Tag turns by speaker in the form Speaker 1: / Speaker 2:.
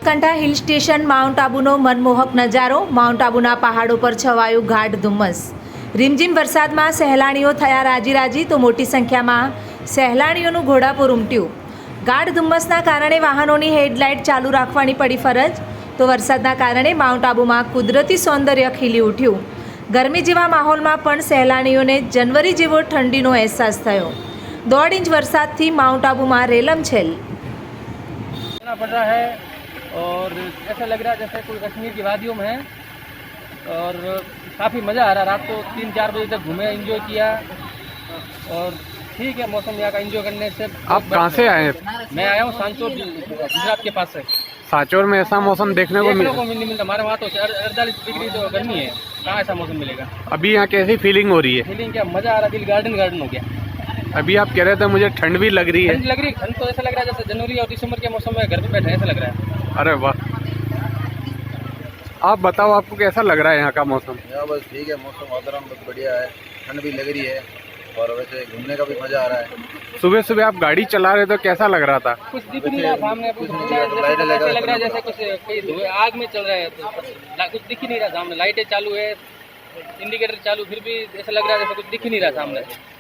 Speaker 1: Banaskantha hill station mount આબુનો મનમોહક નજારો. માઉન્ટ આબુના પહાડો પર છવાયું ગાઢ ધુમ્મસ. રીમઝીમ વરસાદમાં સહેલાણીઓ થયા રાજી તો મોટી સંખ્યામાં સહેલાણીઓનું ઘોડાપુર ઉમટ્યું. ગાઢ ધુમ્મસના કારણે વાહનોની હેડલાઇટ ચાલુ રાખવાની પડી ફરજ. તો વરસાદના કારણે માઉન્ટ આબુમાં કુદરતી સૌંદર્ય ખીલી ઉઠ્યું. ગરમી જેવા માહોલમાં પણ સહેલાણીઓને જનવરી જેવો ઠંડીનો અહેસાસ થયો. 1.5 ઇંચ વરસાદથી માઉન્ટ આબુમાં રેલમછેલ.
Speaker 2: पड़ रहा है और ऐसा लग रहा है जैसे कोई कश्मीर की वादियों में है और काफ़ी मज़ा आ रहा है. रात को 3-4 बजे तक घूमे, एंजॉय किया और ठीक है मौसम यहाँ का एंजॉय करने से.
Speaker 3: आप कहाँ से आए हैं?
Speaker 2: मैं आया हूँ सांचौर, गुजरात के पास से.
Speaker 3: सांचौर में ऐसा मौसम देखने को
Speaker 2: नहीं मिलता. हमारे वहाँ तो 48 डिग्री तो गर्मी है, कहाँ ऐसा मौसम मिलेगा.
Speaker 3: अभी यहाँ कैसी फीलिंग हो रही है?
Speaker 2: फीलिंग क्या मज़ा आ रहा है, दिल गार्डन हो गया.
Speaker 3: अभी आप कह रहे थे मुझे ठंड भी लग रही है.
Speaker 2: ठंड तो ऐसा लग रहा है जैसे जनवरी और दिसंबर के मौसम में घर पे बैठे ऐसा लग रहा है.
Speaker 3: अरे वाह, आप बताओ आपको कैसा लग रहा है यहाँ का मौसम?
Speaker 4: यहाँ बस ठीक है, मौसम वातावरण बहुत बढ़िया है, ठंड भी लग रही है और वैसे घूमने का भी मजा आ रहा है.
Speaker 3: सुबह सुबह आप गाड़ी चला रहे तो कैसा लग रहा था?
Speaker 2: कुछ दिख नहीं रहा सामने, कुछ ऐसा लग रहा है जैसे कुछ आग में चल रहा है. तो कुछ दिख ही नहीं रहा सामने. लाइटें चालू है, इंडिकेटर चालू, फिर भी ऐसा लग रहा है जैसे कुछ दिख ही नहीं रहा सामने.